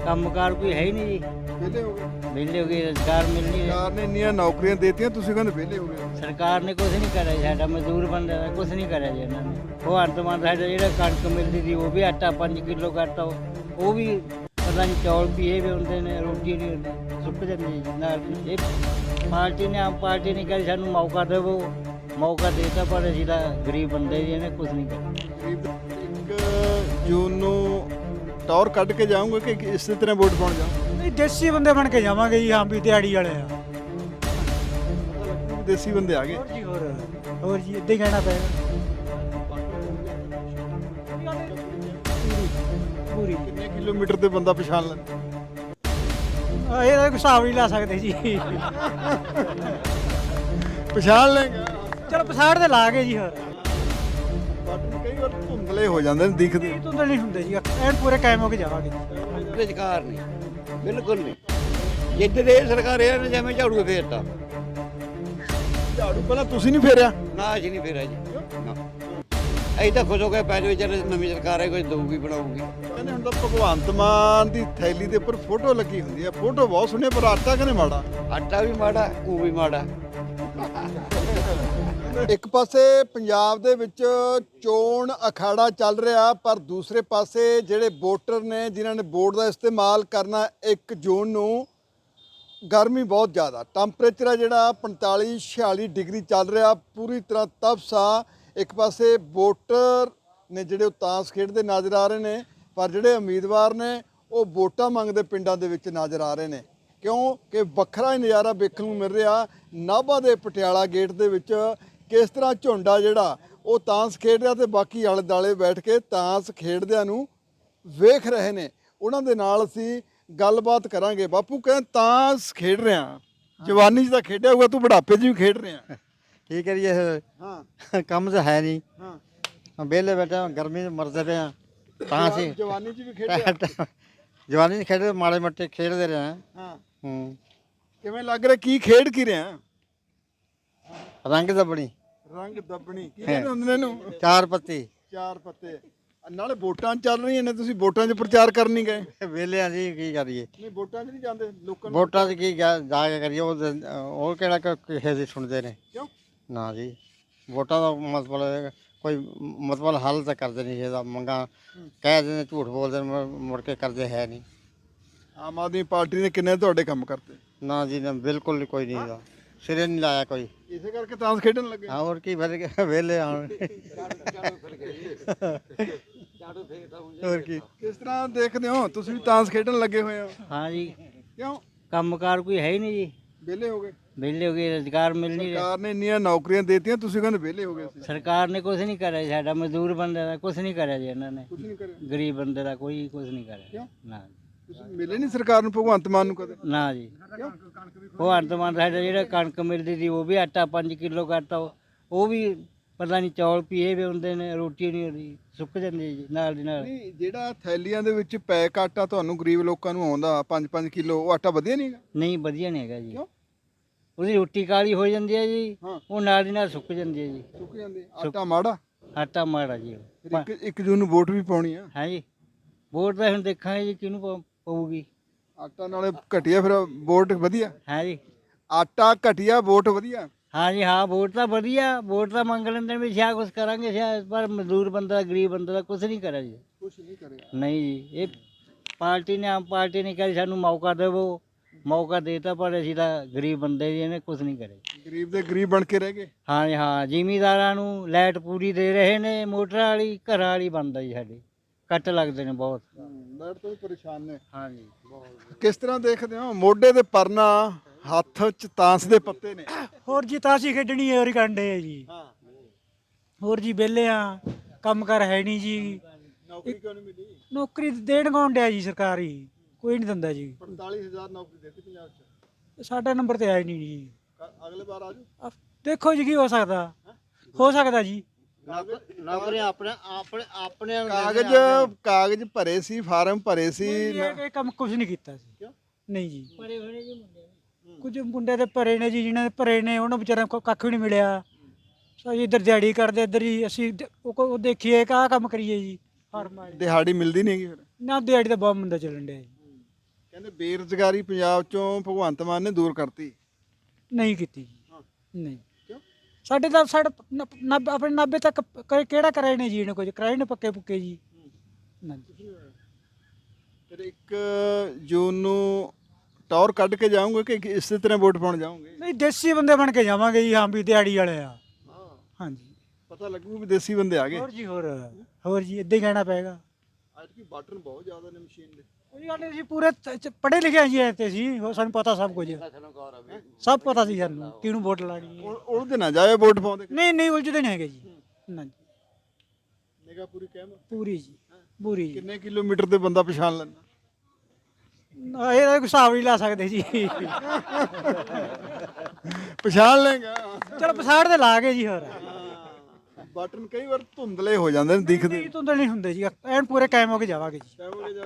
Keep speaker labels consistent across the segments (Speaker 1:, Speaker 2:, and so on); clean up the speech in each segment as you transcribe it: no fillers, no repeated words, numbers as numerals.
Speaker 1: ਕੰਮਕਾਰ ਕੋਈ ਹੈ ਹੀ ਨਹੀਂ ਜੀ।
Speaker 2: ਵਿਹਲੇ ਹੋ ਗਏ।
Speaker 1: ਵਿਹਲੇ ਹੋ ਗਏ, ਰੁਜ਼ਗਾਰ ਮਿਲ ਨਹੀਂ ਰਿਹਾ।
Speaker 2: ਸਰਕਾਰ ਨੇ ਇੰਨੀਆਂ ਨੌਕਰੀਆਂ ਦੇਤੀਆਂ, ਤੁਸੀਂ ਕਹਿੰਦੇ ਵਿਹਲੇ ਹੋ ਗਏ।
Speaker 1: ਸਰਕਾਰ ਨੇ ਕੁਝ ਨਹੀਂ ਕਰਿਆ ਜੀ, ਸਾਡਾ ਮਜ਼ਦੂਰ ਬੰਦੇ ਦਾ ਕੁਝ ਨਹੀਂ ਕਰਿਆ ਜੀ ਇਹਨਾਂ ਨੇ। ਉਹ ਅੰਤਮਾਨ ਸਾਡਾ ਜਿਹੜਾ ਕਣਕ ਮਿਲਦੀ ਸੀ ਉਹ ਵੀ ਆਟਾ 5 ਕਿਲੋ ਕਰਤਾ, ਉਹ ਵੀ ਪਤਾ ਨਹੀਂ ਚੌਲ ਵੀ ਇਹ ਵੀ ਹੁੰਦੇ ਨੇ, ਰੋਟੀ ਨਹੀਂ ਹੁੰਦੀ, ਸੁੱਕ ਜਾਂਦੀ ਜੀ ਨਾਲ। ਇਹ ਪਾਰਟੀ ਨੇ, ਆਮ ਪਾਰਟੀ ਨੇ ਕਹੀ ਸਾਨੂੰ ਮੌਕਾ ਦੇਵੋ, ਮੌਕਾ ਦੇਤਾ ਪਰ ਅਸੀਂ ਤਾਂ ਗਰੀਬ ਬੰਦੇ ਜੀ, ਇਹਨੇ ਕੁਝ ਨਹੀਂ ਕਰਿਆ।
Speaker 2: 1 ਜੂਨ ਨੂੰ ਟੌਰ ਕੱਢ ਕੇ ਜਾਓਗੇ ਕਿ ਇਸੇ ਤਰ੍ਹਾਂ ਵੋਟ ਪਾਉਣ ਜਾਓ?
Speaker 3: ਨਹੀਂ, ਦੇਸੀ ਬੰਦੇ ਬਣ ਕੇ ਜਾਵਾਂਗੇ ਜੀ। ਹਾਂ ਵੀ ਦਿਹਾੜੀ ਵਾਲੇ ਆ।
Speaker 2: ਦੇਸੀ ਬੰਦੇ ਆ ਗਏ।
Speaker 3: ਹੋਰ ਜੀ ਹੋਰ ਜੀ ਇੱਦਾਂ ਹੀ ਕਹਿਣਾ ਪਏਗਾ। ਪੂਰੀ
Speaker 2: ਕਿੰਨੇ ਕਿਲੋਮੀਟਰ ਤੇ ਬੰਦਾ ਪਛਾਣ ਲੈਂਦਾ?
Speaker 3: ਇਹਦਾ ਕੋਈ ਹਿਸਾਬ ਨਹੀਂ ਲਾ ਸਕਦੇ ਜੀ।
Speaker 2: ਪਛਾਣ ਲੈਗਾ।
Speaker 3: ਚਲੋ ਪਛਾੜ ਤੇ ਲਾ ਗਏ ਜੀ। ਹੋਰ
Speaker 2: ਬਟ ਕਈ ਵਾਰ ਧੁੰਦਲੇ ਹੋ ਜਾਂਦੇ ਨੇ, ਦਿਖਦੇ।
Speaker 3: ਇਹ ਤੋਂ ਨਹੀਂ ਹੁੰਦੇ ਜੀ, ਐਨ ਪੂਰੇ ਕਾਇਮ ਹੋ ਕੇ ਜਾਵਾਂਗੇ।
Speaker 4: ਰੁਜ਼ਗਾਰ ਨਹੀਂ, ਬਿਲਕੁਲ ਨਹੀਂ। ਜਿੱਦ ਦੇ ਸਰਕਾਰ ਇਹਨਾਂ ਨੇ ਜਿਵੇਂ ਝਾੜੂ ਫੇਰਤਾ।
Speaker 2: ਝਾੜੂ ਪਹਿਲਾਂ ਤੁਸੀਂ ਨਹੀਂ ਫੇਰਿਆ?
Speaker 4: ਨਾ ਅਸੀਂ ਨਹੀਂ ਫੇਰਿਆ ਜੀ, ਨਾ। ਅਸੀਂ ਤਾਂ ਖੁਸ਼ ਹੋ ਕੇ ਪੈ ਜਾਓ, ਚੱਲ ਨਵੀਂ ਸਰਕਾਰ ਹੈ, ਕੋਈ ਦਊਗੀ ਬਣਾਊਗੀ।
Speaker 2: ਕਹਿੰਦੇ ਹੁਣ ਤਾਂ ਭਗਵੰਤ ਮਾਨ ਦੀ ਥੈਲੀ ਦੇ ਉੱਪਰ ਫੋਟੋ ਲੱਗੀ ਹੁੰਦੀ ਹੈ। ਫੋਟੋ ਬਹੁਤ ਸੋਹਣੀ, ਪਰ ਆਟਾ ਕਹਿੰਦੇ ਮਾੜਾ।
Speaker 4: ਆਟਾ ਵੀ ਮਾੜਾ, ਉਹ ਵੀ ਮਾੜਾ।
Speaker 2: ਇੱਕ ਪਾਸੇ ਪੰਜਾਬ ਦੇ ਵਿੱਚ ਚੋਣ ਅਖਾੜਾ ਚੱਲ ਰਿਹਾ, ਪਰ ਦੂਸਰੇ ਪਾਸੇ ਜਿਹੜੇ ਵੋਟਰ ਨੇ ਜਿਨ੍ਹਾਂ ਨੇ ਵੋਟ ਦਾ ਇਸਤੇਮਾਲ ਕਰਨਾ 1 ਜੂਨ ਨੂੰ, ਗਰਮੀ ਬਹੁਤ ਜ਼ਿਆਦਾ, ਟੈਂਪਰੇਚਰ ਆ ਜਿਹੜਾ 45-46 ਡਿਗਰੀ ਚੱਲ ਰਿਹਾ, ਪੂਰੀ ਤਰ੍ਹਾਂ ਤਪਸਾ। ਇੱਕ ਪਾਸੇ ਵੋਟਰ ਨੇ ਜਿਹੜੇ ਉਹ ਤਾਸ਼ ਖੇਡਦੇ ਨਜ਼ਰ ਆ ਰਹੇ ਨੇ, ਪਰ ਜਿਹੜੇ ਉਮੀਦਵਾਰ ਨੇ ਉਹ ਵੋਟਾਂ ਮੰਗਦੇ ਪਿੰਡਾਂ ਦੇ ਵਿੱਚ ਨਜ਼ਰ ਆ ਰਹੇ ਨੇ। ਕਿਉਂ ਕਿ ਵੱਖਰਾ ਹੀ ਨਜ਼ਾਰਾ ਵੇਖਣ ਨੂੰ ਮਿਲ ਰਿਹਾ ਨਾਭਾ ਦੇ ਪਟਿਆਲਾ ਗੇਟ ਦੇ ਵਿੱਚ। ਕਿਸ ਤਰ੍ਹਾਂ ਝੁੰਡਾ ਜਿਹੜਾ ਉਹ ਤਾਸ਼ ਖੇਡ ਰਿਹਾ ਤੇ ਬਾਕੀ ਆਲੇ ਦੁਆਲੇ ਬੈਠ ਕੇ ਤਾਸ਼ ਖੇਡਦਿਆਂ ਨੂੰ ਵੇਖ ਰਹੇ ਨੇ। ਉਹਨਾਂ ਦੇ ਨਾਲ ਅਸੀਂ ਗੱਲਬਾਤ ਕਰਾਂਗੇ। ਬਾਪੂ ਕਹਿੰਦੇ ਤਾਸ਼ ਖੇਡ ਰਿਹਾ, ਜਵਾਨੀ 'ਚ ਤਾਂ ਖੇਡਿਆ ਹੋਊਗਾ, ਤੂੰ ਬੁਢਾਪੇ 'ਚ ਵੀ ਖੇਡ ਰਿਹਾ।
Speaker 5: ਕੀ ਕਰੀਏ
Speaker 2: ਹਾਂ
Speaker 5: ਕੰਮ ਤਾਂ ਹੈ ਨਹੀਂ,
Speaker 2: ਹਾਂ।
Speaker 5: ਵਿਹਲੇ ਬੈਠੇ ਹਾਂ, ਗਰਮੀ 'ਚ ਮਰਦੇ ਪਏ ਹਾਂ। ਤਾਂ ਅਸੀਂ
Speaker 2: ਜਵਾਨੀ 'ਚ ਵੀ ਖੇਡਿਆ?
Speaker 5: ਜਵਾਨੀ 'ਚ ਖੇਡਦੇ, ਮਾੜੇ ਮੋਟੇ ਖੇਡਦੇ ਰਹੇ ਹਾਂ।
Speaker 2: ਹਾਂ। ਕਿਵੇਂ ਲੱਗ ਰਿਹਾ, ਕੀ ਖੇਡ ਕੀ ਰਿਹਾ?
Speaker 5: ਰੰਗ ਦੱਬਣੀ,
Speaker 2: ਰੰਗ ਦੱਬਣੀ ਕੀ ਕਹਿੰਦੇ ਹੁੰਦੇ ਨੇ ਇਹਨੂੰ?
Speaker 5: 4 ਪੱਤੀ।
Speaker 2: 4 ਪੱਤੇ। ਨਾਲੇ ਵੋਟਾਂ ਚੱਲ ਰਹੀਆਂ ਨੇ, ਤੁਸੀਂ ਵੋਟਾਂ 'ਚ ਪ੍ਰਚਾਰ ਕਰਨ ਨਹੀਂ ਗਏ?
Speaker 5: ਵਿਹਲੇ ਹਾਂ ਜੀ, ਕੀ ਕਰੀਏ।
Speaker 2: ਨਹੀਂ, ਵੋਟਾਂ 'ਚ ਨਹੀਂ ਜਾਂਦੇ ਲੋਕਾਂ ਨੂੰ?
Speaker 5: ਵੋਟਾਂ 'ਚ ਕੀ ਜਾ ਕੇ ਕਰੀਏ, ਉਹ ਕਿਹੜਾ ਕਿਸੇ ਦੀ ਸੁਣਦੇ ਨੇ?
Speaker 2: ਕਿਉਂ?
Speaker 5: ਨਾ ਜੀ, ਵੋਟਾਂ ਦਾ ਮਤਲਬ ਕੋਈ ਮਤਲਬ ਹੱਲ ਤਾਂ ਕਰਦੇ ਨਹੀਂ। ਇਹਦਾ ਮੰਗਾਂ ਕਹਿ ਦਿੰਦੇ, ਝੂਠ ਬੋਲਦੇ ਨੇ, ਮੁੜ ਕੇ ਕਰਦੇ ਹੈ ਨਹੀਂ।
Speaker 2: ਆਮ ਆਦਮੀ ਪਾਰਟੀ ਨੇ ਕਿੰਨੇ ਤੁਹਾਡੇ ਕੰਮ ਕਰਤੇ?
Speaker 5: ਨਾ ਜੀ, ਨਾ ਬਿਲਕੁਲ ਕੋਈ ਨਹੀਂ ਇਹਦਾ, ਸਿਰੇ ਨਹੀਂ ਲਾਇਆ ਕੋਈ।
Speaker 2: ਇਸੇ ਕਰਕੇ ਤਾਸ਼ ਖੇਡਣ ਲੱਗੇ?
Speaker 5: ਹਾਂ, ਹੋਰ ਕੀ ਵਿਹਲੇ ਆਉਣ। ਹੋਰ ਕੀ।
Speaker 2: ਕਿਸ ਤਰ੍ਹਾਂ ਦੇਖਦੇ ਹੋ, ਤੁਸੀਂ ਵੀ ਤਾਸ਼ ਖੇਡਣ ਲੱਗੇ ਹੋਏ ਹੋ?
Speaker 1: ਹਾਂ ਜੀ,
Speaker 2: ਕਿਉਂ?
Speaker 1: ਕੰਮਕਾਰ ਕੋਈ ਹੈ ਹੀ ਨਹੀਂ ਜੀ।
Speaker 2: ਵਿਹਲੇ ਹੋ ਗਏ।
Speaker 1: ਵਿਹਲੇ ਹੋ ਗਏ, ਰੁਜ਼ਗਾਰ ਮਿਲ ਨਹੀਂ ਰਿਹਾ।
Speaker 2: ਸਰਕਾਰ ਨੇ ਇੰਨੀਆਂ ਨੌਕਰੀਆਂ ਦੇਤੀਆਂ, ਤੁਸੀਂ ਕਹਿੰਦੇ ਵਿਹਲੇ ਹੋ ਗਏ ਸੀ।
Speaker 1: ਸਰਕਾਰ ਨੇ ਕੁਝ ਨਹੀਂ ਕਰਿਆ ਜੀ, ਸਾਡਾ ਮਜ਼ਦੂਰ ਬੰਦੇ ਦਾ ਕੁਝ ਨਹੀਂ ਕਰਿਆ ਜੀ ਇਹਨਾਂ ਨੇ।
Speaker 2: ਕੁਝ ਨਹੀਂ ਕਰਿਆ?
Speaker 1: ਗਰੀਬ ਬੰਦੇ ਦਾ ਕੋਈ ਕੁਝ ਨਹੀਂ ਕਰਿਆ।
Speaker 2: ਕਿਉਂ?
Speaker 1: ਨਾ
Speaker 2: ਤੁਸੀਂ ਮਿਲੇ ਨਹੀਂ ਸਰਕਾਰ ਨੂੰ, ਭਗਵੰਤ ਮਾਨ ਨੂੰ ਕਦੇ?
Speaker 1: ਨਾ ਜੀ,
Speaker 2: ਕਿਉਂ?
Speaker 1: ਉਹ ਅੰਤਮਾਨ ਸਾਡਾ ਜਿਹੜਾ ਕਣਕ ਮਿਲਦੀ ਸੀ ਉਹ ਵੀ ਆਟਾ 5 ਕਿਲੋ ਕਰਤਾ, ਉਹ ਵੀ ਪਤਾ ਨਹੀਂ ਚੌਲ ਵੀ ਇਹ ਵੀ ਹੁੰਦੇ ਨੇ, ਰੋਟੀ ਨਹੀਂ ਹੁੰਦੀ, ਸੁੱਕ ਜਾਂਦੀ ਜੀ ਨਾਲ ਦੀ ਨਾਲ।
Speaker 2: ਨਹੀਂ, ਜਿਹੜਾ ਥੈਲੀਆਂ ਦੇ ਵਿੱਚ ਪੈਕ ਆਟਾ ਤੁਹਾਨੂੰ ਗਰੀਬ ਲੋਕਾਂ ਨੂੰ ਆਉਂਦਾ 5-5 ਕਿਲੋ, ਉਹ ਆਟਾ ਵਧੀਆ ਨਹੀਂ ਹੈਗਾ?
Speaker 1: ਨਹੀਂ, ਵਧੀਆ ਨਹੀਂ ਹੈਗਾ ਜੀ।
Speaker 2: ਕਿਉਂ?
Speaker 1: ਉਹਦੀ ਰੋਟੀ ਕਾਲੀ ਹੋ ਜਾਂਦੀ ਹੈ ਜੀ,
Speaker 2: ਹਾਂ।
Speaker 1: ਉਹ ਨਾਲ ਦੀ ਨਾਲ ਸੁੱਕ ਜਾਂਦੀ ਹੈ ਜੀ।
Speaker 2: ਸੁੱਕ ਜਾਂਦੇ, ਆਟਾ ਮਾੜਾ।
Speaker 1: ਆਟਾ ਮਾੜਾ ਜੀ ਉਹ।
Speaker 2: ਫਿਰ 1 ਜੂਨ ਨੂੰ ਵੋਟ ਵੀ ਪਾਉਣੀ ਆ।
Speaker 1: ਹਾਂ ਜੀ, ਵੋਟ ਤਾਂ ਹੁਣ ਦੇਖਾਂਗੇ ਜੀ ਕਿਹਨੂੰ ਪਊਗੀ।
Speaker 2: ਆਟਾ ਨਾਲੇ ਘਟਿਆ, ਫਿਰ ਵੋਟ ਵਧੀਆ।
Speaker 1: ਹਾਂ ਜੀ,
Speaker 2: ਆਟਾ ਘਟਿਆ, ਵੋਟ ਵਧੀਆ।
Speaker 1: ਹਾਂ ਜੀ, ਹਾਂ, ਵੋਟ ਤਾਂ ਵਧੀਆ, ਵੋਟ ਤਾਂ ਮੰਗ ਲੈਂਦੇ ਵੀ ਸ਼ਾਇਦ ਕੁਝ ਕਰਾਂਗੇ ਸ਼ਾਇਦ, ਪਰ ਮਜ਼ਦੂਰ ਬੰਦਾ, ਗਰੀਬ ਬੰਦਾ ਦਾ ਕੁਝ ਨਹੀਂ ਕਰਿਆ ਜੀ।
Speaker 2: ਕੁਛ ਨਹੀਂ ਕਰਿਆ।
Speaker 1: ਨਹੀਂ ਜੀ, ਇਹ ਪਾਰਟੀ ਨੇ, ਆਮ ਪਾਰਟੀ ਨੇ ਕਹੀ ਸਾਨੂੰ ਮੌਕਾ ਦੇਵੋ, ਮੌਕਾ ਦੇਤਾ ਪਰ ਅਸੀਂ ਤਾਂ ਗਰੀਬ ਬੰਦੇ ਜੀ, ਇਹਨੇ ਕੁਝ ਨਹੀਂ ਕਰਿਆ।
Speaker 2: ਗਰੀਬ ਦੇ ਗਰੀਬ ਬਣ ਕੇ ਰਹਿ ਗਏ।
Speaker 1: ਹਾਂ ਜੀ, ਹਾਂ, ਜ਼ਿਮੀਂਦਾਰਾਂ ਨੂੰ ਲਾਈਟ ਪੂਰੀ ਦੇ ਰਹੇ ਨੇ, ਮੋਟਰ ਵਾਲੀ ਘਰਾਂ ਵਾਲੀ ਬੰਦ ਆ ਜੀ ਸਾਡੇ, ਕੱਟ ਲੱਗਦੇ ਨੇ ਬਹੁਤ।
Speaker 2: ਲਾਈਟ ਤੋਂ ਵੀ ਪਰੇਸ਼ਾਨ ਨੇ।
Speaker 1: ਹਾਂ ਜੀ,
Speaker 2: ਕਿਸ ਤਰ੍ਹਾਂ ਦੇਖਦੇ ਹੋ, ਮੋਢੇ ਤੇ ਪਰਨਾ, ਹੱਥ 'ਚ ਤਾਂਸ ਦੇ ਪੱਤੇ ਨੇ?
Speaker 3: ਹੋਰ ਜੀ ਤਾਸ਼ੀ ਖੇਡਣੀ ਹੈ, ਹੋਰ ਕੰਡੇ ਹੈ ਜੀ।
Speaker 2: ਹਾਂ।
Speaker 3: ਹੋਰ ਜੀ ਵਿਹਲੇ ਆ, ਕੰਮ ਕਾਰ ਹੈ ਨਹੀਂ ਜੀ।
Speaker 2: ਨੌਕਰੀ ਕਿਉਂ ਨਹੀਂ ਮਿਲੀ?
Speaker 3: ਨੌਕਰੀ ਦੇਣ ਕੌਣ ਡਿਆ ਜੀ, ਸਰਕਾਰੀ ਕੋਈ ਨਹੀਂ ਦਿੰਦਾ ਜੀ।
Speaker 2: 45,000 ਨੌਕਰੀ ਦਿੱਤੀ ਪੰਜਾਬ 'ਚ।
Speaker 3: ਸਾਡਾ ਨੰਬਰ ਤੇ ਆਇਆ ਨਹੀਂ ਜੀ।
Speaker 2: ਅਗਲੇ ਵਾਰ ਆ ਜਾਓ।
Speaker 3: ਦੇਖੋ ਜੀ ਕੀ ਹੋ ਸਕਦਾ ਜੀ।
Speaker 5: ਨੌਕਰੀਆਂ ਆਪਣੇ ਆਪਣੇ ਆਪਣੇ
Speaker 2: ਕਾਗਜ਼ ਭਰੇ ਸੀ, ਫਾਰਮ ਭਰੇ ਸੀ।
Speaker 3: ਇਹ ਕੰਮ ਕੁਝ ਨਹੀਂ ਕੀਤਾ ਸੀ।
Speaker 2: ਕਿਉਂ?
Speaker 3: ਨਹੀਂ ਜੀ,
Speaker 1: ਬੜੇ ਬੜੇ ਜੀ ਮੁੰਡੇ
Speaker 3: ਕੁਝ ਮੁੰਡੇ ਦੇ ਭਰੇ ਨੇ ਜੀ, ਜਿਨ੍ਹਾਂ ਦੇ ਭਰੇ ਨੇ ਉਹਨਾਂ ਵਿਚਾਰਿਆਂ ਕੋਲ ਕੱਖ ਵੀ ਨਹੀਂ ਮਿਲਿਆ। ਅਸੀਂ ਇੱਧਰ ਦਿਹਾੜੀ ਕਰਦੇ, ਇੱਧਰ ਹੀ ਅਸੀਂ ਉਹ ਦੇਖੀਏ ਆਹ ਕੰਮ ਕਰੀਏ ਜੀ। ਫਾਰਮ
Speaker 2: ਦਿਹਾੜੀ ਮਿਲਦੀ ਨਹੀਂ ਹੈਗੀ ਫਿਰ?
Speaker 3: ਨਾ, ਦਿਹਾੜੀ ਤਾਂ ਬਹੁਤ ਮੰਦਾ ਚੱਲਣ ਡਿਆ ਜੀ।
Speaker 2: ਕਹਿੰਦੇ ਬੇਰੁਜ਼ਗਾਰੀ ਪੰਜਾਬ ਚੋਂ ਭਗਵੰਤ ਮਾਨ ਨੇ ਦੂਰ ਕਰਤੀ।
Speaker 3: ਨਹੀਂ ਕੀਤੀ ਜੀ, ਨਹੀਂ।
Speaker 2: ਕਿਉਂ?
Speaker 3: ਸਾਡੇ ਤਾਂ ਆਪਣੇ 90 ਤੱਕ ਕਿਹੜਾ ਕਰਾਏ ਨੇ ਜੀ ਇਹਨੇ, ਕੁਝ ਕਰਾਏ ਨੇ ਪੱਕੇ ਪੁੱਕੇ ਜੀ ਨਾ ਜੀ।
Speaker 2: ਫਿਰ 1 ਜੂਨ ਨੂੰ ਟੌਰ ਕੱਢ ਕੇ ਜਾਓਗੇ ਕਿ ਇਸੇ ਤਰ੍ਹਾਂ ਵੋਟ ਪਾਉਣ ਜਾਓਗੇ?
Speaker 3: ਨਹੀਂ, ਦੇਸੀ ਬੰਦੇ ਬਣ ਕੇ ਜਾਵਾਂਗੇ ਜੀ, ਹਾਂ ਵੀ ਦਿਹਾੜੀ ਵਾਲੇ ਆ। ਹਾਂਜੀ,
Speaker 2: ਪਤਾ ਲੱਗੂ ਵੀ ਦੇਸੀ ਬੰਦੇ ਆ ਗਏ।
Speaker 3: ਹੋਰ ਜੀ, ਹੋਰ ਜੀ, ਇੱਦਾਂ ਹੀ ਕਹਿਣਾ ਪਏਗਾ।
Speaker 2: ਅੱਜ ਕੀ ਬਟਨ ਬਹੁਤ ਜ਼ਿਆਦਾ ਨੇ ਮਸ਼ੀਨ ਦੇ।
Speaker 3: ਕੋਈ ਗੱਲ ਨਹੀਂ, ਅਸੀਂ ਪੂਰੇ ਪੜ੍ਹੇ ਲਿਖੇ ਜੀ ਤੇ ਸੀ, ਸਾਨੂੰ ਪਤਾ ਸਭ ਕੁਝ, ਸਭ ਪਤਾ ਸੀ ਸਾਨੂੰ ਕਿਹਨੂੰ ਵੋਟ ਲਾਣੀ ਹੈ।
Speaker 2: ਉਲਝਦੇ ਨਾ ਜਾਏ ਵੋਟ ਪਾਉਂਦੇ।
Speaker 3: ਨਹੀਂ ਉਲਝਦੇ ਨਹੀਂ ਹੈਗੇ ਜੀ, ਨਾ ਜੀ,
Speaker 2: ਨਿਗਾਹ ਪੂਰੀ ਕਹਿਮ
Speaker 3: ਪੂਰੀ ਜੀ, ਪੂਰੀ ਜੀ।
Speaker 2: ਕਿੰਨੇ ਕਿਲੋਮੀਟਰ ਤੇ ਬੰਦਾ ਪਛਾਣ ਲੈਂਦਾ?
Speaker 3: ਇਹਦਾ ਕੋਈ ਹਿਸਾਬ ਨਹੀਂ ਲਾ ਸਕਦੇ ਜੀ।
Speaker 2: ਪਛਾਣ ਲੇਗਾ।
Speaker 3: ਚਲੋ ਪਛਾੜ ਦੇ ਲਾ ਕੇ ਜੀ। ਹੋਰ
Speaker 2: ਬਟਨ ਕਈ ਵਾਰ ਧੁੰਦਲੇ ਹੋ ਜਾਂਦੇ ਨੇ, ਦਿਖਦੇ
Speaker 3: ਨਹੀਂ ਤੁੰਦੇ ਨਹੀਂ ਹੁੰਦੇ ਜੀ, ਐਨ ਪੂਰੇ ਕਾਇਮ ਹੋ ਕੇ ਜਾਵਾਂਗੇ ਜੀ।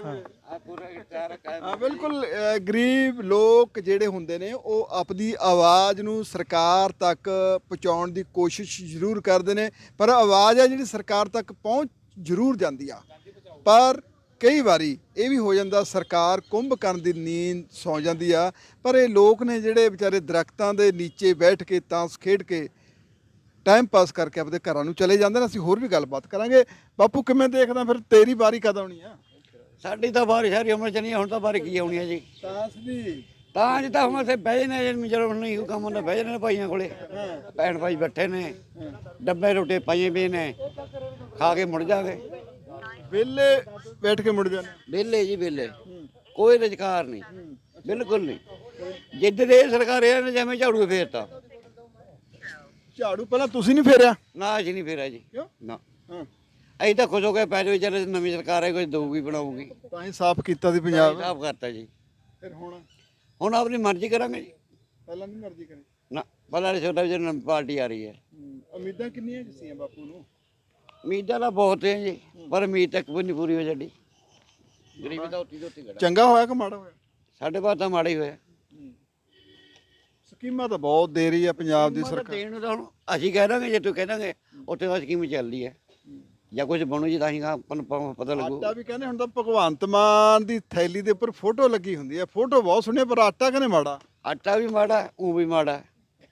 Speaker 2: ਹਾਂ ਬਿਲਕੁਲ। ਗਰੀਬ ਲੋਕ ਜਿਹੜੇ ਹੁੰਦੇ ਨੇ ਉਹ ਆਪਣੀ ਆਵਾਜ਼ ਨੂੰ ਸਰਕਾਰ ਤੱਕ ਪਹੁੰਚਾਉਣ ਦੀ ਕੋਸ਼ਿਸ਼ ਜ਼ਰੂਰ ਕਰਦੇ ਨੇ, ਪਰ ਆਵਾਜ਼ ਆ ਜਿਹੜੀ ਸਰਕਾਰ ਤੱਕ ਪਹੁੰਚ ਜ਼ਰੂਰ ਜਾਂਦੀ ਆ, ਪਰ ਕਈ ਵਾਰੀ ਇਹ ਵੀ ਹੋ ਜਾਂਦਾ ਸਰਕਾਰ ਕੁੰਭਕਰਨ ਦੀ ਨੀਂਦ ਸੌਂ ਜਾਂਦੀ ਆ। ਪਰ ਇਹ ਲੋਕ ਨੇ ਜਿਹੜੇ ਵਿਚਾਰੇ ਦਰਖਤਾਂ ਦੇ ਨੀਚੇ ਬੈਠ ਕੇ ਤਾਂਸ ਖੇਡ ਕੇ ਟਾਈਮ ਪਾਸ ਕਰਕੇ ਆਪਣੇ ਘਰਾਂ ਨੂੰ ਚਲੇ ਜਾਂਦੇ ਨੇ। ਅਸੀਂ ਹੋਰ ਵੀ ਗੱਲਬਾਤ ਕਰਾਂਗੇ। ਬਾਪੂ ਕਿਵੇਂ ਦੇਖਦਾ ਫਿਰ ਤੇਰੀ ਵਾਰੀ ਕਦ ਆਉਣੀ ਆ?
Speaker 4: ਸਾਡੀ ਤਾਂ ਬਾਰੀ ਸਾਰੀ ਉਮਰ ਚ ਨਹੀਂ, ਹੁਣ ਤਾਂ ਬਾਰੀ ਕੀ ਆਉਣੀ ਹੈ ਜੀ।
Speaker 2: ਤਾਂਸ ਦੀ
Speaker 4: ਤਾਂ ਅੱਜ ਤਾਂ ਹੁਣ ਇੱਥੇ ਬਹਿ ਜਨੇ, ਜਦੋਂ ਨਹੀਂ ਕੋਈ ਕੰਮ ਹੁੰਦਾ ਬਹਿ ਜਨੇ ਭਾਈਆਂ ਕੋਲੇ। ਭੈਣ ਭਾਈ ਬੈਠੇ ਨੇ, ਡੱਬੇ ਰੋਟੇ ਪਾਈਏ ਪਏ ਨੇ, ਖਾ ਕੇ ਮੁੜ ਜਾਵੇ।
Speaker 2: ਵਿਹਲੇ ਬੈਠ ਕੇ ਮੁੜ ਜਾਂਦੇ।
Speaker 4: ਵਿਹਲੇ ਜੀ ਵਿਹਲੇ, ਕੋਈ ਰੁਜ਼ਗਾਰ ਨਹੀਂ, ਬਿਲਕੁਲ ਨਹੀਂ। ਜਿੱਦ ਦੇ ਸਰਕਾਰ ਇਹਨਾਂ ਨੇ ਜਿਵੇਂ ਝਾੜੂ ਫੇਰਤਾ।
Speaker 2: ਝਾੜੂ ਪਹਿਲਾਂ ਤੁਸੀਂ ਨਹੀਂ ਫੇਰਿਆ?
Speaker 4: ਨਾ ਅਸੀਂ ਨਹੀਂ ਫੇਰਿਆ ਜੀ,
Speaker 2: ਕਿਉਂ?
Speaker 4: ਨਾ।
Speaker 2: ਹਾਂ,
Speaker 4: ਅਸੀਂ ਤਾਂ ਖੁਸ਼ ਹੋ ਕੇ ਪੈ ਜਾਓ, ਚੱਲ ਨਵੀਂ ਸਰਕਾਰ ਹੈ, ਕੁਝ ਦਊਗੀ ਬਣਾਊਗੀ।
Speaker 2: ਤਾਂ ਹੀ ਸਾਫ਼ ਕੀਤਾ ਸੀ ਪੰਜਾਬ।
Speaker 4: ਸਾਫ਼ ਕਰਤਾ ਜੀ।
Speaker 2: ਫਿਰ
Speaker 4: ਹੁਣ ਆਪਣੀ ਮਰਜ਼ੀ ਕਰਾਂਗੇ ਜੀ।
Speaker 2: ਪਹਿਲਾਂ ਨਹੀਂ ਮਰਜ਼ੀ ਕਰੀ।
Speaker 4: ਨਾ ਪਹਿਲਾਂ ਛੋਟਾ ਜਿਹੀ ਨਵੀਂ ਪਾਰਟੀ ਆ ਰਹੀ ਹੈ।
Speaker 2: ਉਮੀਦਾਂ ਕਿੰਨੀਆਂ ਕੁ ਸੀਆਂ ਬਾਪੂ ਨੂੰ?
Speaker 4: ਉਮੀਦਾਂ ਤਾਂ ਬਹੁਤ ਹੈ ਜੀ, ਪਰ ਉਮੀਦ ਤੱਕ ਵੀ ਨਹੀਂ ਪੂਰੀ ਹੋ ਸਾਡੀ। ਗਰੀਬੀ ਤਾਂ ਉੱਤੀ ਦੋਤੀ ਘੜਾ।
Speaker 2: ਚੰਗਾ ਹੋਇਆ ਕਿ ਮਾੜਾ ਹੋਇਆ?
Speaker 4: ਸਾਡੇ ਬਾਤ ਤਾਂ ਮਾੜਾ ਹੀ ਹੋਇਆ।
Speaker 2: ਸਕੀਮਾਂ ਤਾਂ ਬਹੁਤ ਦੇ ਰਹੀ ਆ ਪੰਜਾਬ ਦੀ ਸਰਕਾਰ।
Speaker 4: ਦੇਣ ਨੂੰ ਤਾਂ ਹੁਣ ਅਸੀਂ ਕਹਿ ਦਾਂਗੇ, ਜੇ ਤੂੰ ਕਹਿ ਦਾਂਗੇ ਉੱਥੇ ਤਾਂ ਸਕੀਮ ਚੱਲਦੀ ਹੈ, ਜਾਂ ਕੁਝ ਬਣੂ ਜੀ ਤਾਂ ਹੀ ਆਪਾਂ ਨੂੰ ਪਤਾ ਲੱਗੂ।
Speaker 2: ਆਟਾ ਵੀ ਕਹਿੰਦੇ ਹੁਣ ਤਾਂ ਭਗਵੰਤ ਮਾਨ ਦੀ ਥੈਲੀ ਦੇ ਉੱਪਰ ਫੋਟੋ ਲੱਗੀ ਹੁੰਦੀ ਹੈ। ਫੋਟੋ ਬਹੁਤ ਸੋਹਣੀ ਪਰ ਆਟਾ ਕਹਿੰਦੇ ਮਾੜਾ।
Speaker 4: ਆਟਾ ਵੀ ਮਾੜਾ, ਉਹ ਵੀ ਮਾੜਾ।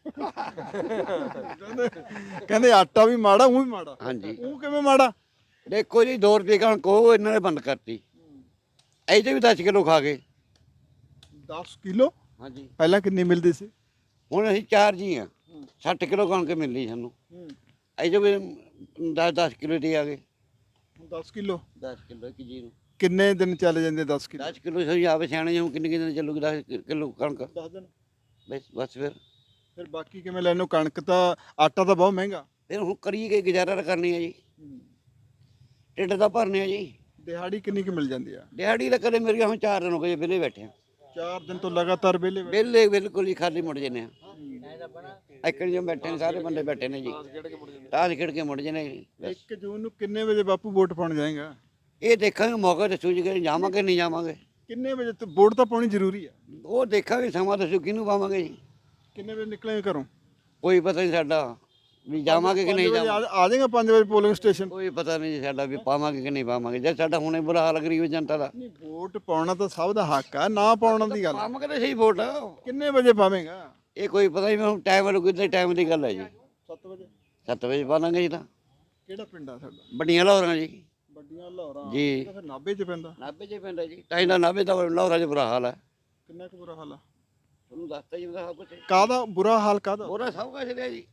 Speaker 2: ਕਹਿੰਦੇ ਆਟਾ ਵੀ ਮਾੜਾ, ਉਹ ਵੀ ਮਾੜਾ।
Speaker 4: ਹਾਂਜੀ,
Speaker 2: ਉਹ ਕਿਵੇਂ ਮਾੜਾ?
Speaker 4: ਦੇਖੋ ਜੀ 2 ਰੁਪਏ ਕਣਕ ਉਹ ਇਹਨਾਂ ਨੇ ਬੰਦ ਕਰਤੀ। ਇਹਦੇ ਵੀ 10 ਕਿਲੋ ਖਾ ਗਏ।
Speaker 2: 10 ਕਿਲੋ?
Speaker 4: ਹਾਂਜੀ,
Speaker 2: ਪਹਿਲਾਂ ਕਿੰਨੀ ਮਿਲਦੀ ਸੀ?
Speaker 4: ਹੁਣ ਅਸੀਂ 4 ਜੀ ਆ, 60 ਕਿਲੋ ਕਣਕ ਮਿਲਦੀ ਸਾਨੂੰ। ਇਹਦੇ ਵੀ 10 ਕਿਲੋ ਦੇ ਆ ਗਏ।
Speaker 2: 10 ਕਿਲੋ
Speaker 4: 10 ਕਿਲੋ ਇੱਕ ਜੀ ਨੂੰ
Speaker 2: ਕਿੰਨੇ ਦਿਨ ਚੱਲ ਜਾਂਦੇ? 10 ਕਿਲੋ
Speaker 4: 10 ਕਿਲੋ ਸਹੀ ਆਵੇ ਸਿਆਣੇ ਹੁਣ ਕਿੰਨੇ ਦਿਨ ਚੱਲੂਗੀ 10 ਕਿਲੋ ਕਣਕ?
Speaker 2: 10 ਦਿਨ।
Speaker 4: ਬਸ
Speaker 2: ਫਿਰ ਬਾਕੀ ਕਿਵੇਂ ਲੈਣੋ? ਕਣਕ ਤਾਂ ਆਟਾ ਤਾਂ ਬਹੁਤ ਮਹਿੰਗਾ।
Speaker 4: ਫਿਰ ਹੁਣ ਕਰੀਏ ਕਿ ਗੁਜ਼ਾਰਾ ਤਾਂ ਕਰਨੀ ਹੈ ਜੀ, ਢਿੱਡ ਤਾਂ ਭਰਨੇ ਆ ਜੀ।
Speaker 2: ਦਿਹਾੜੀ ਕਿੰਨੀ ਕੁ ਮਿਲ ਜਾਂਦੀ ਆ?
Speaker 4: ਦਿਹਾੜੀ ਤਾਂ ਕਦੇ ਮੇਰੀਆਂ ਹੁਣ 4 ਦਿਨ ਹੋ ਗਏ ਵਿਹਲੇ ਬੈਠੇ ਆ।
Speaker 2: 4 ਦਿਨ ਤੋਂ ਲਗਾਤਾਰ ਵਿਹਲੇ
Speaker 4: ਵਿਹਲੇ ਬਿਲਕੁਲ ਹੀ ਖਾਲੀ ਮੁੜ ਜਨੇ ਆ। ਇੱਕਣ ਜੋ ਬੈਠੇ ਨੇ ਸਾਰੇ ਬੰਦੇ ਬੈਠੇ ਨੇ ਜੀ, ਤਾਸ਼ ਖੇਡ ਕੇ ਮੁੜ ਜਨੇ।
Speaker 2: 1 ਜੂਨ ਨੂੰ ਕਿੰਨੇ ਵਜੇ ਬਾਪੂ ਵੋਟ ਪਾਉਣ ਜਾਏਗਾ?
Speaker 4: ਇਹ ਦੇਖਾਂਗੇ ਮੌਕਾ ਦੱਸੂ ਜੀ ਕਿ ਜਾਵਾਂਗੇ ਨਹੀਂ ਜਾਵਾਂਗੇ।
Speaker 2: ਕਿੰਨੇ ਵਜੇ ਤੇ ਵੋਟ ਤਾਂ ਪਾਉਣੀ ਜ਼ਰੂਰੀ ਆ?
Speaker 4: ਉਹ ਦੇਖਾਂਗੇ, ਸਮਾਂ ਦੱਸੂ ਕਿਹਨੂੰ ਪਾਵਾਂਗੇ ਜੀ।
Speaker 2: ਕਿੰਨੇ ਵਜੇ ਨਿਕਲੇਗਾ ਘਰੋਂ?
Speaker 4: ਕੋਈ ਪਤਾ ਨਹੀਂ ਸਾਡਾ ਵੀ ਜਾਵਾਂਗੇ ਕਿ ਨਹੀਂ ਜਾਵਾਂਗੇ।
Speaker 2: ਆ ਜਾਏਗਾ 5 ਵਜੇ ਪੋਲਿੰਗ ਸਟੇਸ਼ਨ?
Speaker 4: ਕੋਈ ਪਤਾ ਨਹੀਂ ਜੀ ਸਾਡਾ ਵੀ ਪਾਵਾਂਗੇ ਕਿ ਨਹੀਂ ਪਾਵਾਂਗੇ। ਜੇ ਸਾਡਾ ਹੁਣੇ ਬੁਰਾ ਹਾਲ ਗਰੀਬ ਜਨਤਾ ਦਾ।
Speaker 2: ਨਹੀਂ, ਵੋਟ ਪਾਉਣਾ ਤਾਂ ਸਭ ਦਾ ਹੱਕ ਆ, ਨਾ ਪਾਉਣ ਦੀ ਗੱਲ।
Speaker 4: ਪਾਵਾਂਗੇ ਤਾਂ ਸਹੀ ਵੋਟ।
Speaker 2: ਕਿੰਨੇ ਵਜੇ ਪਾਵੇਂਗਾ?
Speaker 4: ਇਹ ਕੋਈ ਪਤਾ ਨਹੀਂ, ਹੁਣ ਟਾਈਮ ਲੱਗੂ ਤੇ ਟਾਈਮ ਦੀ ਗੱਲ ਹੈ ਜੀ।
Speaker 2: 7 ਵਜੇ?
Speaker 4: 7 ਵਜੇ ਪਾਵਾਂਗੇ ਜੀ। ਤਾਂ
Speaker 2: ਕਿਹੜਾ ਪਿੰਡ ਆ ਸਾਡਾ?
Speaker 4: ਵੱਡੀਆਂ ਲਾਹੌਰਾਂ ਜੀ।
Speaker 2: ਵੱਡੀਆਂ ਲਾਹੌਰਾਂ
Speaker 4: ਜੀ।
Speaker 2: ਤਾਂ ਫਿਰ ਨਾਭੇ 'ਚ ਪੈਂਦਾ।
Speaker 4: ਨਾਭੇ 'ਚ ਪੈਂਦਾ ਜੀ, ਤਾਂ ਇਹਦਾ ਨਾਭੇ ਦਾ ਲਾਹੌਰਾਂ 'ਚ ਬੁਰਾ ਹਾਲ ਹੈ।
Speaker 2: ਕਿੰਨਾ ਕੁ ਬੁਰਾ ਹਾਲ ਆ?
Speaker 4: ਤੁਹਾਨੂੰ ਦੱਸਤਾ ਜੀ ਉਹਦਾ ਸਭ ਕੁਝ।
Speaker 2: ਕਾਹਦਾ ਬੁਰਾ ਹਾਲ ਕਾਹਦਾ?
Speaker 4: ਬੁਰਾ ਸਭ ਕੁਝ ਲਿਆ ਜੀ।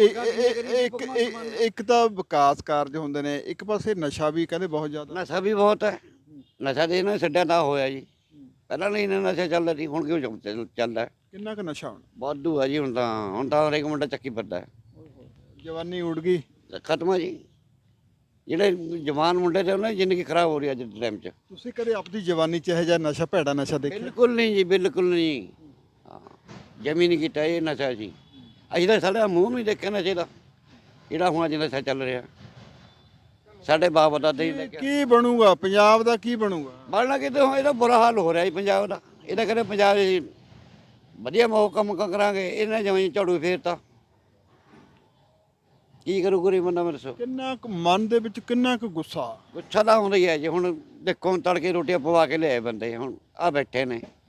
Speaker 2: ਇੱਕ ਤਾਂ ਵਿਕਾਸ ਕਾਰਜ ਹੁੰਦੇ ਨੇ, ਇੱਕ ਪਾਸੇ ਨਸ਼ਾ ਵੀ ਕਹਿੰਦੇ ਬਹੁਤ ਜ਼ਿਆਦਾ।
Speaker 4: ਨਸ਼ਾ ਵੀ ਬਹੁਤ ਹੈ। ਨਸ਼ਾ ਦੇ ਇਹਨਾਂ ਛੱਡਿਆ ਤਾਂ ਹੋਇਆ ਜੀ। ਪਹਿਲਾਂ ਨਹੀਂ ਇਹਨਾਂ ਨਸ਼ਾ ਚੱਲਦਾ ਸੀ, ਹੁਣ ਕਿਉਂ ਚੱਲਦਾ?
Speaker 2: ਕਿੰਨਾ ਕੁ ਨਸ਼ਾ ਹੁਣ?
Speaker 4: ਵਾਧੂ ਆ ਜੀ। ਹੁਣ ਤਾਂ ਹਰੇਕ ਮੁੰਡਾ ਚੱਕੀ ਫਿਰਦਾ ਹੈ।
Speaker 2: ਜਵਾਨੀ ਉੜ ਗਈ।
Speaker 4: ਖਤਮ ਆ ਜੀ। ਜਿਹੜੇ ਜਵਾਨ ਮੁੰਡੇ ਤੇ ਉਹਨਾਂ ਦੀ ਜ਼ਿੰਦਗੀ ਖਰਾਬ ਹੋ ਰਹੀ ਹੈ ਅੱਜ ਦੇ ਟਾਈਮ 'ਚ।
Speaker 2: ਤੁਸੀਂ ਕਦੇ ਆਪਣੀ ਜਵਾਨੀ 'ਚ ਇਹੋ ਜਿਹਾ ਨਸ਼ਾ, ਭੈੜਾ ਨਸ਼ਾ ਦੇਖਿਆ?
Speaker 4: ਬਿਲਕੁਲ ਨਹੀਂ ਜੀ, ਬਿਲਕੁਲ ਨਹੀਂ। ਹਾਂ, ਜਮੀ ਨਹੀਂ ਕੀਤਾ ਇਹ ਨਸ਼ਾ ਜੀ। ਅਸੀਂ ਤਾਂ ਸਾਡਾ ਮੂੰਹ ਨਹੀਂ ਦੇਖਿਆ ਨਸ਼ੇ ਦਾ, ਜਿਹੜਾ ਹੁਣ ਅੱਜ ਨਸ਼ਾ ਚੱਲ ਰਿਹਾ। ਸਾਡੇ ਬਾਪ ਦਾਦੇ ਹੀ ਦੇਖਿਆ।
Speaker 2: ਕੀ ਬਣੂਗਾ ਪੰਜਾਬ ਦਾ? ਕੀ ਬਣੂਗਾ?
Speaker 4: ਬਣਨਾ ਕਿਤੇ ਹੁਣ ਇਹਦਾ ਬੁਰਾ ਹਾਲ ਹੋ ਰਿਹਾ ਜੀ ਪੰਜਾਬ ਦਾ। ਇਹਦਾ ਕਹਿੰਦੇ ਪੰਜਾਬ ਦੇ ਵਧੀਆ ਕੰਮ ਕਰਾਂਗੇ, ਇਹਨਾਂ ਜਮਾਂ ਝਾੜੂ ਫੇਰਤਾ। ਕੀ ਕਰੂ ਗਰੀਬ ਬੰਦਾ? ਮੇਰੇ ਦੱਸੋ।
Speaker 2: ਕਿੰਨਾ ਕੁ ਮਨ ਦੇ ਵਿੱਚ ਕਿੰਨਾ ਕੁ ਗੁੱਸਾ?
Speaker 4: ਗੁੱਸਾ ਤਾਂ ਆਉਂਦਾ ਹੀ ਹੈ ਜੀ। ਹੁਣ ਦੇਖੋ ਤੜਕੇ ਰੋਟੀਆਂ ਪਵਾ ਕੇ ਲਿਆਏ ਬੰਦੇ, ਹੁਣ ਆ ਬੈਠੇ ਨੇ।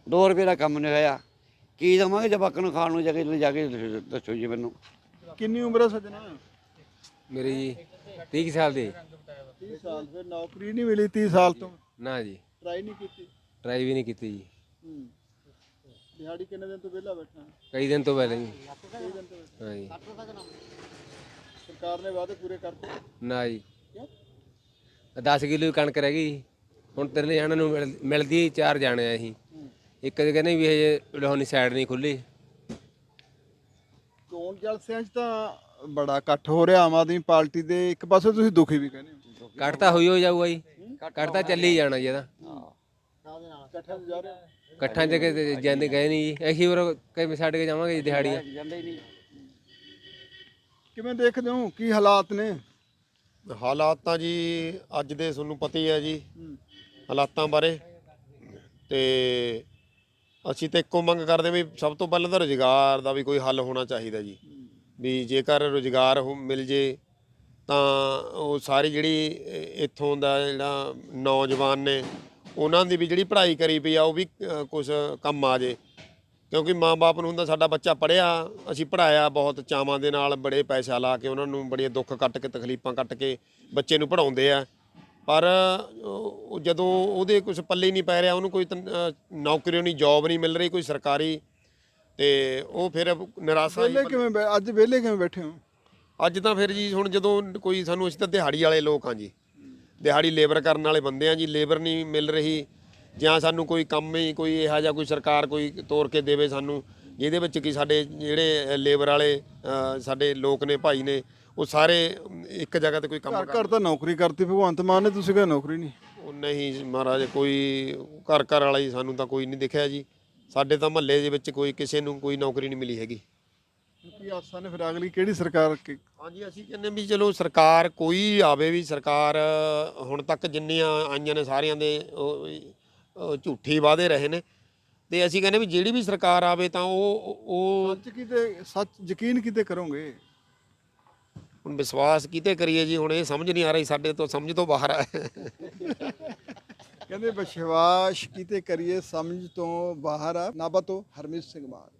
Speaker 4: 2 ਰੁਪਏ ਦਾ ਕੰਮ ਨਹੀਂ ਹੋਇਆ, ਕੀ ਦੇਵਾਂਗੇ ਜਵਾਕਾਂ ਨੂੰ ਖਾਣ ਨੂੰ ਜਾ ਕੇ ਦੱਸੋ ਜੀ ਮੈਨੂੰ।
Speaker 2: ਕਿੰਨੀ ਉਮਰ ਹੈ ਸੱਜਣਾ?
Speaker 6: ਮੇਰੀ ਜੀ 30 ਸਾਲ ਦੀ।
Speaker 2: 30 ਸਾਲ। ਫਿਰ ਨੌਕਰੀ ਨਹੀਂ ਮਿਲੀ 30 ਸਾਲ ਤੋਂ?
Speaker 6: ਨਾ ਜੀ,
Speaker 2: ਟਰਾਈ ਨਹੀਂ ਕੀਤੀ?
Speaker 6: ਟਰਾਈ ਵੀ ਨਹੀਂ ਕੀਤੀ ਜੀ।
Speaker 2: ਦਿਹਾੜੀ ਕਿੰਨੇ ਦਿਨ ਤੋਂ ਵਿਹਲਾ ਬੈਠਾ?
Speaker 6: ਕਈ ਦਿਨ ਤੋਂ ਪਹਿਲਾਂ ਜੀ।
Speaker 2: ਕਈ ਦਿਨ ਤੋਂ।
Speaker 6: ਹਾਂ ਜੀ।
Speaker 2: ਸਰਕਾਰ ਨੇ ਵਾਅਦੇ ਪੂਰੇ ਕਰਤੇ?
Speaker 6: ਨਾ ਜੀ,
Speaker 2: ਕਿਉਂ?
Speaker 6: 10 ਕਿਲੋ ਕਣਕ ਰਹਿ ਗਈ। ਹੁਣ 3 ਜਣਾਂ ਨੂੰ ਮਿਲਦੀ 4 ਜਾਣੇ ਆ ਅਸੀਂ। ਇੱਕ ਦੇ ਕਹਿੰਦੇ ਵੀ ਹਜੇ ਲੋਹਨੀ ਸਾਈਡ ਨਹੀਂ ਖੁੱਲੀ।
Speaker 2: ਚੋਣ ਜਲਸਿਆਂ 'ਚ ਤਾਂ ਬੜਾ ਇਕੱਠ ਹੋ ਰਿਹਾ ਆਮ ਆਦਮੀ ਪਾਰਟੀ ਦੇ, ਇੱਕ ਪਾਸੇ ਤੁਸੀਂ ਦੁਖੀ ਵੀ ਕਹਿੰਦੇ ਹੋ।
Speaker 6: ਕੱਟ ਤਾਂ ਹੋਈ ਹੋ ਜਾਊਗਾ ਜੀ, ਕੱਟ ਤਾਂ ਚੱਲੀ ਜਾਣਾ ਜੀ ਇਹਦਾ।
Speaker 2: ਇਕੱਠਾਂ 'ਚ ਜਾ ਰਹੇ ਹੋ?
Speaker 6: ਇਕੱਠਾਂ 'ਚ ਜਾਂਦੇ ਗਏ ਨਹੀਂ ਜੀ, ਅਸੀਂ ਹੋਰ ਕਿਵੇਂ ਛੱਡ ਕੇ ਜਾਵਾਂਗੇ ਜੀ ਦਿਹਾੜੀਆਂ।
Speaker 2: ਕਿਵੇਂ ਦੇਖਦੇ ਹੋ, ਕੀ ਹਾਲਾਤ ਨੇ?
Speaker 7: ਹਾਲਾਤ ਤਾਂ ਜੀ ਅੱਜ ਦੇ ਤੁਹਾਨੂੰ ਪਤਾ ਹੀ ਹੈ ਜੀ ਹਾਲਾਤਾਂ ਬਾਰੇ। ਤੇ ਅਸੀਂ ਤਾਂ ਇੱਕੋ ਮੰਗ ਕਰਦੇ ਵੀ ਸਭ ਤੋਂ ਪਹਿਲਾਂ ਤਾਂ ਰੁਜ਼ਗਾਰ ਦਾ ਵੀ ਕੋਈ ਹੱਲ ਹੋਣਾ ਚਾਹੀਦਾ ਜੀ। ਵੀ ਜੇਕਰ ਰੁਜ਼ਗਾਰ ਮਿਲ ਜੇ ਤਾਂ ਉਹ ਸਾਰੀ ਜਿਹੜੀ ਇੱਥੋਂ ਦਾ ਜਿਹੜਾ ਨੌਜਵਾਨ ਨੇ ਉਹਨਾਂ ਦੀ ਵੀ ਜਿਹੜੀ ਪੜ੍ਹਾਈ ਕਰੀ ਪਈ ਆ ਉਹ ਵੀ ਕੁਛ ਕੰਮ ਆ ਜੇ। ਕਿਉਂਕਿ ਮਾਂ-ਬਾਪ ਨੂੰ ਹੁੰਦਾ ਸਾਡਾ ਬੱਚਾ ਪੜ੍ਹਿਆ, ਅਸੀਂ ਪੜ੍ਹਾਇਆ ਬਹੁਤ ਚਾਵਾਂ ਦੇ ਨਾਲ, ਬੜੇ ਪੈਸਾ ਲਾ ਕੇ ਉਹਨਾਂ ਨੂੰ ਬੜੇ ਦੁੱਖ ਕੱਟ ਕੇ ਤਕਲੀਫਾਂ ਕੱਟ ਕੇ ਬੱਚੇ ਨੂੰ ਪੜ੍ਹਾਉਂਦੇ ਆ। ਪਰ ਜਦੋਂ ਉਹਦੇ ਕੁਝ ਪੱਲੇ ਨਹੀਂ ਪੈ ਰਿਹਾ, ਉਹਨੂੰ ਕੋਈ ਨੌਕਰੀ ਨਹੀਂ, ਜੌਬ ਨਹੀਂ ਮਿਲ ਰਹੀ ਕੋਈ ਸਰਕਾਰੀ, ਤੇ ਉਹ ਫਿਰ ਨਿਰਾਸ਼ਾ।
Speaker 2: ਅੱਜ ਵਿਹਲੇ ਕਿਵੇਂ ਬੈਠੇ ਹੋ?
Speaker 7: ਅੱਜ ਤਾਂ ਫਿਰ ਜੀ ਹੁਣ ਜਦੋਂ ਕੋਈ ਸਾਨੂੰ, ਅਸੀਂ ਤਾਂ ਦਿਹਾੜੀ ਵਾਲੇ ਲੋਕ ਹਾਂ ਜੀ, ਦਿਹਾੜੀ ਲੇਬਰ ਕਰਨ ਵਾਲੇ ਬੰਦੇ ਆ ਜੀ। ਲੇਬਰ ਨਹੀਂ ਮਿਲ ਰਹੀ, ਜਾਂ ਸਾਨੂੰ ਕੋਈ ਕੰਮ ਹੀ ਕੋਈ ਇਹੋ ਜਿਹਾ ਕੋਈ ਸਰਕਾਰ ਕੋਈ ਤੋਰ ਕੇ ਦੇਵੇ ਸਾਨੂੰ, ਜਿਹਦੇ ਵਿੱਚ ਕਿ ਸਾਡੇ ਜਿਹੜੇ ਲੇਬਰ ਵਾਲੇ ਸਾਡੇ ਲੋਕ ਨੇ, ਭਾਈ ਨੇ, ਉਹ ਸਾਰੇ ਇੱਕ ਜਗ੍ਹਾ ਤੇ ਕੋਈ ਕੰਮ
Speaker 2: ਘਰ ਤਾਂ ਨੌਕਰੀ ਕਰਤੀ ਭਗਵੰਤ ਮਾਨ ਨੇ, ਤੁਸੀਂ ਕਹਿੰਦੇ ਨੌਕਰੀ ਨਹੀਂ?
Speaker 7: ਉਹ ਨਹੀਂ ਮਹਾਰਾਜ, ਕੋਈ ਘਰ ਵਾਲਾ ਹੀ ਸਾਨੂੰ ਤਾਂ ਕੋਈ ਨਹੀਂ ਦਿਖਿਆ ਜੀ। ਸਾਡੇ ਤਾਂ ਮਹੱਲੇ ਦੇ ਵਿੱਚ ਕੋਈ ਕਿਸੇ ਨੂੰ ਕੋਈ ਨੌਕਰੀ ਨਹੀਂ ਮਿਲੀ ਹੈਗੀ।
Speaker 2: ਕੀ ਆਸਾਂ ਨੇ ਫਿਰ ਅਗਲੀ ਕਿਹੜੀ ਸਰਕਾਰ?
Speaker 7: ਹਾਂਜੀ, ਅਸੀਂ ਕਹਿੰਦੇ ਵੀ ਚਲੋ ਸਰਕਾਰ ਕੋਈ ਆਵੇ, ਵੀ ਸਰਕਾਰ ਹੁਣ ਤੱਕ ਜਿੰਨੀਆਂ ਆਈਆਂ ਨੇ ਸਾਰਿਆਂ ਦੇ ਉਹ ਝੂਠੇ ਵਾਅਦੇ ਰਹੇ ਨੇ, ਤੇ ਅਸੀਂ ਕਹਿੰਦੇ ਵੀ ਜਿਹੜੀ ਵੀ ਸਰਕਾਰ ਆਵੇ ਤਾਂ ਉਹ
Speaker 2: ਸੱਚ ਯਕੀਨ ਕਿਤੇ ਕਰੋਗੇ?
Speaker 7: ਹੁਣ ਵਿਸ਼ਵਾਸ ਕਿਤੇ ਕਰੀਏ ਜੀ, ਹੁਣ ਇਹ ਸਮਝ ਨਹੀਂ ਆ ਰਹੀ, ਸਾਡੇ ਤੋਂ ਸਮਝ ਤੋਂ ਬਾਹਰ ਆ।
Speaker 2: ਕਹਿੰਦੇ ਵਿਸ਼ਵਾਸ ਕਿਤੇ ਕਰੀਏ, ਸਮਝ ਤੋਂ ਬਾਹਰ ਆ। ਨਾਭਾ ਤੋਂ ਹਰਮੀਤ ਸਿੰਘ ਮਾਨ।